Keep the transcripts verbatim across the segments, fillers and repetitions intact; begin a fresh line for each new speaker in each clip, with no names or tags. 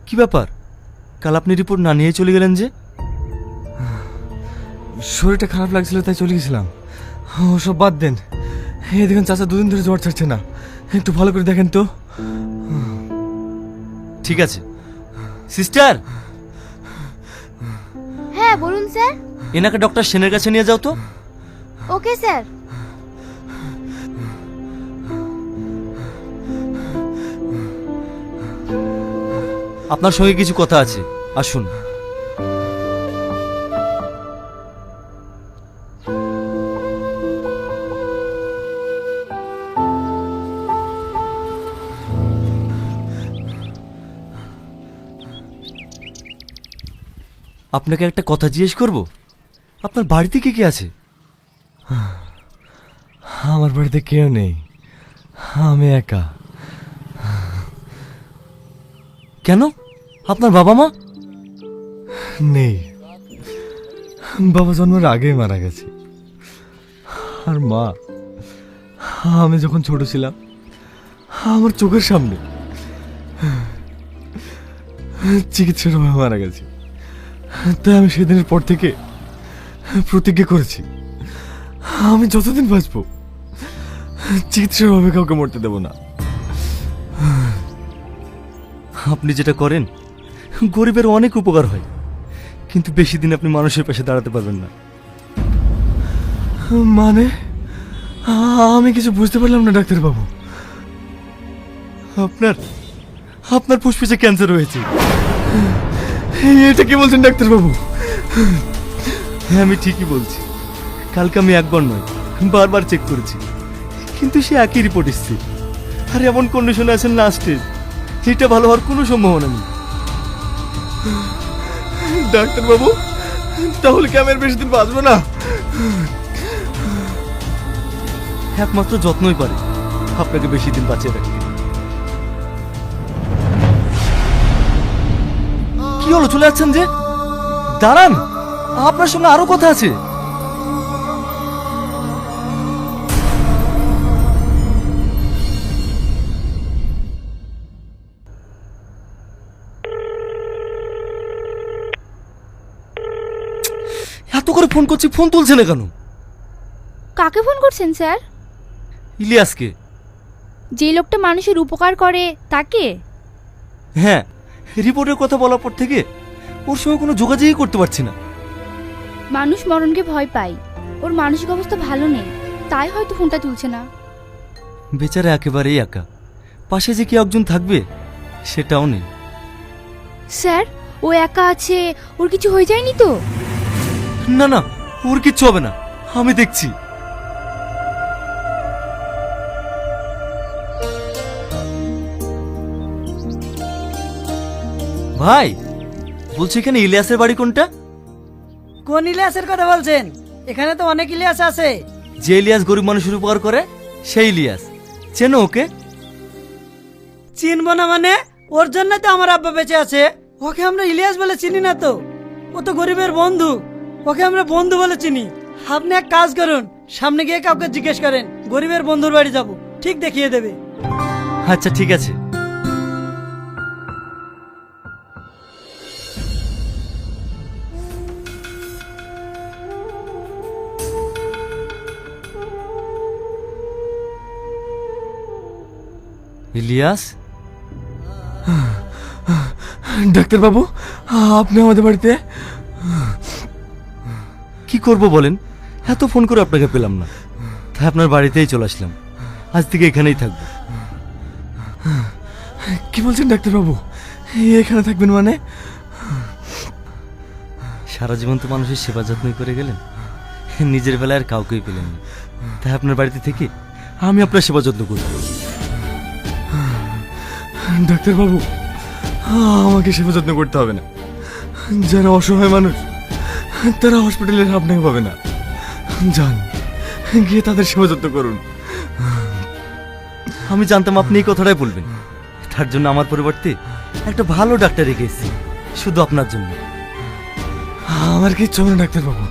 কি ব্যাপার, কাল আপনি রিপোর্ট না নিয়ে চলে গেলেন যে?
শরীরটা খারাপ লাগছিল তাই চলে গেছিলাম। ও সব বাদ দেন, এই দেখুন চাচা দুদিন ধরে জ্বর ছাড়ছে না, একটু ভালো করে দেখেন তো।
ঠিক আছে সিস্টার।
হ্যাঁ বলুন স্যার।
এনাকে ডক্টর সেনের কাছে নিয়ে যাও তো।
Okay sir.
আপনার সঙ্গে কিছু কথা আছে, আসুন। আপনাকে একটা কথা জিজ্ঞেস করব, আপনার বাড়িতে কে কে আছে?
আমার বাড়িতে কেউ নেই, আমি একা।
কেন, আপনার বাবা মা?
নেই, বাবা জন্মের আগেই মারা গেছে। আর মা, আমি যখন ছোট ছিলাম আমার চোখের সামনে চিকিৎসার অভাবে মারা গেছে। তাই আমি সেদিনের পর থেকে প্রতিজ্ঞা করেছি আমি যতদিন বাঁচবো চিকিৎসার অভাবে কাউকে মরতে দেব না।
আপনি যেটা করেন গরিবের অনেক উপকার হয়, কিন্তু বেশি দিন আপনি মানুষের পাশে দাঁড়াতে পারবেন না।
মানে আমি কিছু বুঝতে পারলাম না ডাক্তার বাবু।
আপনার আপনার ফুসফুসে ক্যান্সার হয়েছে।
এটা কি বলছেন ডাক্তার বাবু?
হ্যাঁ আমি ঠিকই বলছি, কালকে আমি একবার নয় বারবার চেক করেছি, কিন্তু সে একই রিপোর্ট এসছে। আর এমন কন্ডিশনে আছেন লাস্টে, এটা ভালো হওয়ার কোনো সম্ভাবনা নেই।
ডাক্তার বাবু তাহলে কি আমি আর বেশি দিন বাঁচবো না?
একমাত্র যত্নই পারে আপনাকে বেশি দিন বাঁচিয়ে রাখতে। কি হলো, চলে যাচ্ছেন যে? দাঁড়ান, আপনার সঙ্গে আরো কথা আছে। এত করে ফোন করছি, ফোন তুলছে না কেন?
কাকে ফোন করছেন স্যার?
ইলিয়াসকে।
যে লোকটা মানুষের উপকার করে তাকে?
হ্যাঁ, রিপোর্টের কথা বলার পর থেকে ওর সঙ্গে কোনো যোগাযোগই করতে পারছি না।
মানুষ মরণকে ভয় পায়, ওর মানসিক অবস্থা ভালো নেই, তাই হয়তো ফোনটা তুলছে না।
বেচারা একেবারেই একা, পাশে যে কি একজন থাকবে সেটাও নেই।
স্যার ও একা আছে, ওর কিছু হয়ে যায়নি তো?
না না, ওর কিচ্ছু হবে না, আমি দেখছি। ভাই বলছি, এখানে ইলিয়াসের বাড়ি কোনটা?
কোন ইলিয়াসের কথা বলছেন? এখানে তো অনেক ইলিয়াস আছে।
যে ইলিয়াস গরিব মানুষের উপকার করে সেই ইলিয়াস, চেনো ওকে?
চিনবো না মানে? ওর জন্য তো আমার আব্বা বেঁচে আছে। ওকে আমরা ইলিয়াস বলে চিনি না তো, ও তো গরিবের বন্ধু, ওকে আমরা বন্ধু বলে চিনি। আপনি এক কাজ করুন, সামনে গিয়ে কাউকে জিজ্ঞেস করেন, গরিবের বন্ধুর বাড়ি যাব, ঠিক দেখিয়ে দেবে।
আচ্ছা ঠিক আছে। ইলিয়াস,
ডাক্তার বাবু আপনি আমাদের বাড়িতে?
কি করব বলেন, এত ফোন করে আপনাকে পেলাম না, তাই আপনার বাড়িতেই চলে আসলাম। আজ থেকে এখানেই থাকবো।
কি বলছেন ডাক্তার বাবু, এখানে থাকবেন মানে?
সারা জীবন তো মানুষের সেবা যত্নই করে গেলেন, নিজের বেলায় আর কাউকেই পেলেন না, তাই আপনার বাড়িতে থেকে আমি আপনার সেবা যত্ন করব।
ডাক্তার বাবু আমাকে সেবা যত্ন করতে হবে না, যারা অসহায় মানুষ তারা হসপিটালের আপনাকে পাবে না। যান গিয়ে তাদের সেবা যত্ন করুন।
আমি জানতাম আপনি এই কথাটাই বলবেন, তার জন্য আমার পরিবর্তে একটা ভালো ডাক্তার রেখে এসেছি শুধু আপনার জন্য।
আমার কিচ্ছু হবে না ডাক্তার বাবু,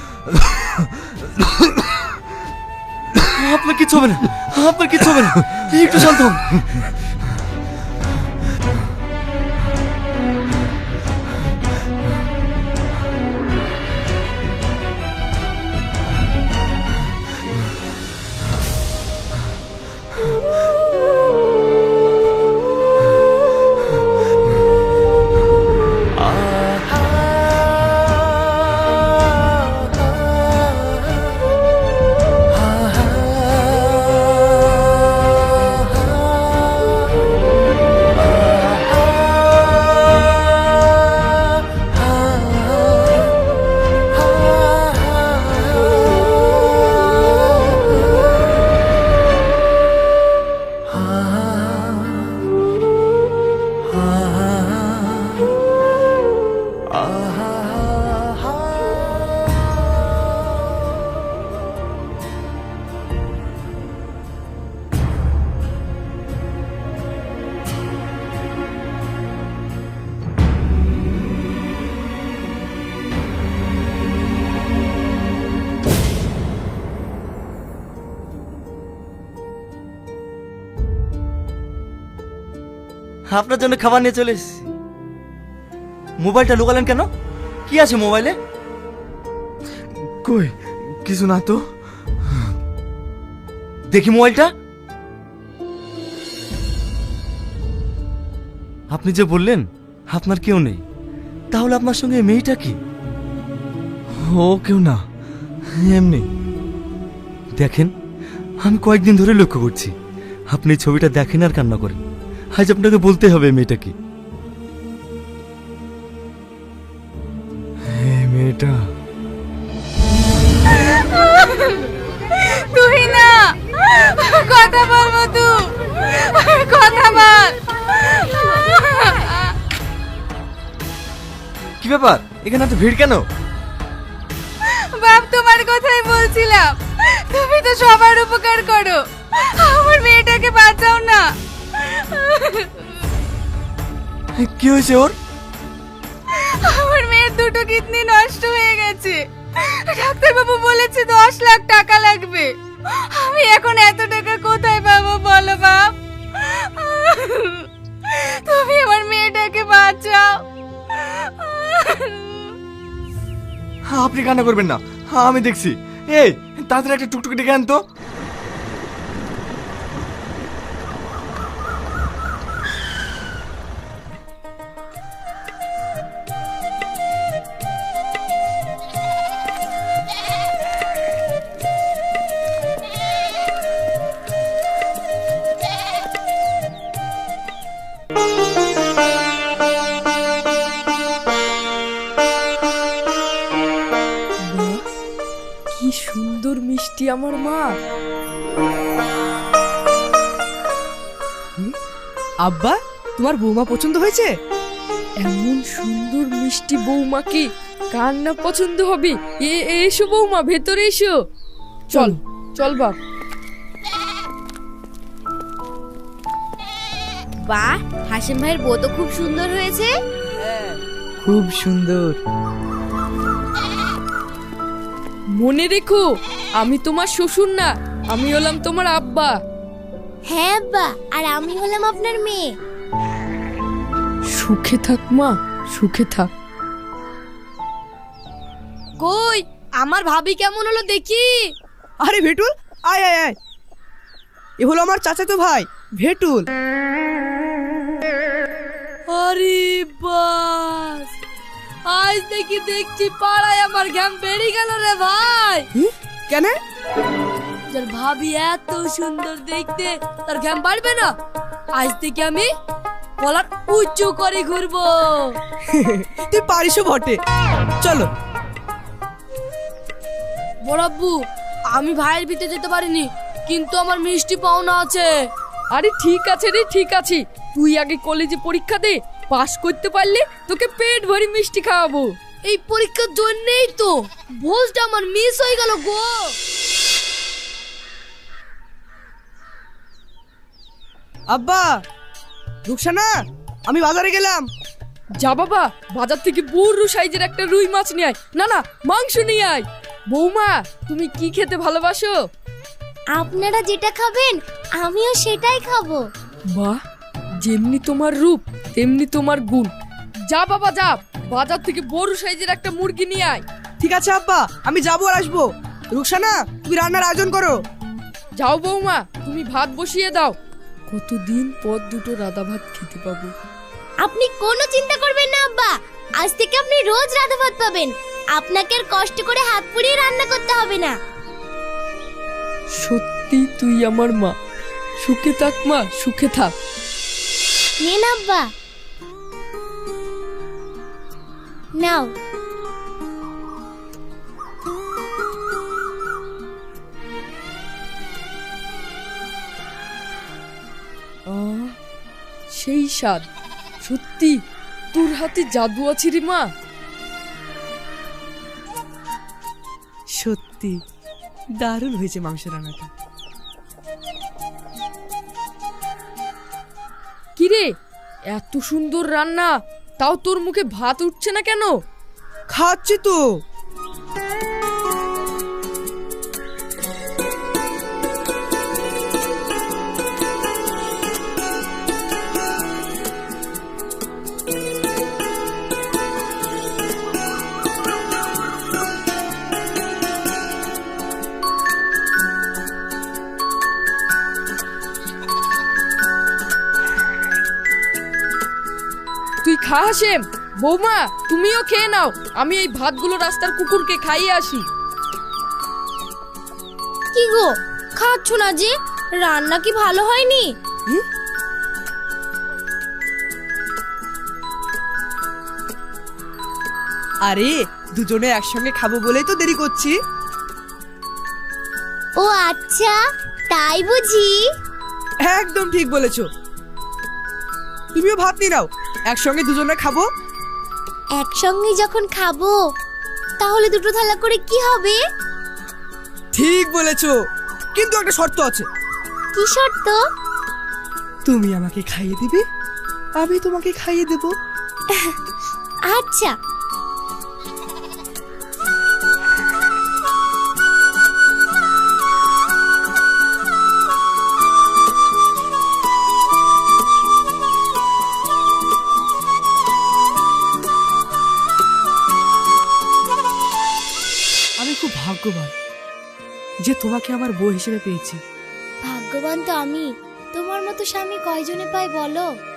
আপনার কিচ্ছু হবে না, আপনার কিচ্ছু হবে না, একটু শান্ত হন। আপনার জন্য খাবার নিয়ে চলে এসেছি। মোবাইলটা লুকালেন কেন? কি আছে মোবাইলে?
কই কিছু না তো।
দেখি মোবাইলটা। আপনি যে বললেন আপনার কেউ নেই, তাহলে আপনার সঙ্গে এই মেয়েটা কি?
ও কেউ না, এমনি।
দেখেন, আমি কয়েকদিন ধরে লক্ষ্য করছি আপনি এই ছবিটা দেখেন আর কান্না করেন। আজ আপনাকে বলতে হবে এই মেয়েটা কি।
এই মেয়েটা
তুই না কথা বল মধু, কথা বল।
কি ব্যাপার, এখানে এত ভিড় কেন?
বাপ তোমার কথাই বলছিলাম, তুমি তো সবার উপকার করো, আমার মেয়েটাকে বাঁচাও না।
কি হয়েছে ওর?
আমার মেয়ের দুটো কিডনি নষ্ট হয়ে গেছে, ডাক্তারবাবু বলেছে দশ লাখ টাকা লাগবে। আমি এখন এত টাকা কোথায় পাবো বলো বাপ? তুমি আমার মেয়েটাকে বাঁচাও।
আপনি কান্না করবেন না, আমি দেখছি। এই তাড়াতাড়ি একটা টুকটুকি ডেকে আন তো।
কি সুন্দর মিষ্টি আমার মা। আব্বা, তোমার বৌমা পছন্দ হয়েছে? এমন সুন্দর মিষ্টি বৌমাকে কার না পছন্দ হবে? এ এসো বৌমা, ভেতরে এসো। চল চল বাপ।
বাহ, হাসিম ভাইয়ের বউ তো খুব সুন্দর হয়েছে।
খুব সুন্দর। মনে রেখো, আমি তোমার শ্বশুর না, আমি হলাম তোমার আব্বা।
হ্যাঁ আব্বা, আর আমি হলাম আপনার মেয়ে।
সুখে থাক মা, সুখে থাক।
কই আমার ভাবি কেমন হলো দেখি।
আরে ভেটুল, আয় আয় আয়, এ হলো আমার চাচাতো ভাই ভেটুল।
আরে বাস, আজ দেখি দেখছি পাড়ায় আমার ঘাম বেরিয়ে গেল রে ভাই।
কেন?
যার ভাবি এত সুন্দর দেখতে, তার ঘাম বাড়বে না? আজ থেকে আমি গলার উঁচু করে ঘুরবো।
তুই পারিসও বটে, চলো।
বড়াব্বু, আমি ভাইয়ের ভিতরে যেতে পারিনি, কিন্তু আমার মিষ্টি পাওনা আছে। আরে ঠিক আছে রে, ঠিক আছে, তুই আগে কলেজে পরীক্ষা দে, পাস করতে পারলে তোকে পেট ভরি মিষ্টি খাওয়াবো। এই পরীক্ষার জন্যই তো ভোজটা আমার মিস হয়ে গেল গো।
আব্বা, রুকসানা, আমি বাজারে গেলাম।
যা বাবা, বাজার থেকে বড় সাইজের একটা রুই মাছ নিয়ে আয়। না না, মাংস নিয়ে আয়। বৌমা, তুমি কি খেতে ভালোবাসো?
আপনারা যেটা খাবেন আমিও সেটাই খাবো।
বাহ, যেমনি তোমার রূপ তেমনি তোমার গুণ। যা বাবা যা, বাজার থেকে বড় সাইজের একটা মুরগি নিয়ে আয়।
ঠিক আছে আব্বা, আমি যাবো আর আসবো। রুকসানা, তুমি রান্নার আয়োজন করো।
যাও বৌমা, তুমি ভাত বসিয়ে দাও। কতদিন পর দুটো রাধা ভাত খেতে পাবো।
আপনি কোনো চিন্তা করবেন না আব্বা, আজ থেকে আপনি রোজ রাধা ভাত পাবেন। আপনাকে আর কষ্ট করে হাত পুড়িয়ে রান্না করতে হবে না।
সত্যি তুই আমার মা। সুখে থাক মা, সুখে থাক।
নিন আব্বা, নাও।
আহ, সেই স্বাদ। সত্যি তোর হাতে জাদু আছে রে মা।
সত্যি দারুণ হয়েছে মাংস রান্নাটা।
কিরে, এত সুন্দর রান্না, তাও তোর মুখে ভাত উঠছে না কেন?
খাচ্ছি তো।
খা হাসেম। বৌমা তুমিও খেয়ে নাও, আমি এই ভাতগুলো রাস্তার কুকুরকে খাইয়ে আসি।
কি গো খাচ্ছ না যে? রান্না কি ভালো হয়নি?
আরে দুজনে একসঙ্গে খাবো বলেই তো দেরি করছি।
ও আচ্ছা, তাই বুঝি?
একদম ঠিক বলেছো। তুমিও ভাত নিয়ে নাও, একসঙ্গে দুজনে খাবো।
একসঙ্গে যখন খাবো তাহলে দুটো থালা করে কি হবে?
ঠিক বলেছো, কিন্তু একটা শর্ত আছে।
কি শর্ত?
তুমি আমাকে খাইয়ে দিবে, আমি তোমাকে খাইয়ে দেব।
আচ্ছা।
আমি খুব ভাগ্যবান যে তোমাকে আমার বউ হিসেবে পেয়েছি।
ভাগ্যবান তো আমি। তোমার মতো স্বামী কয়জনে পায় বলো?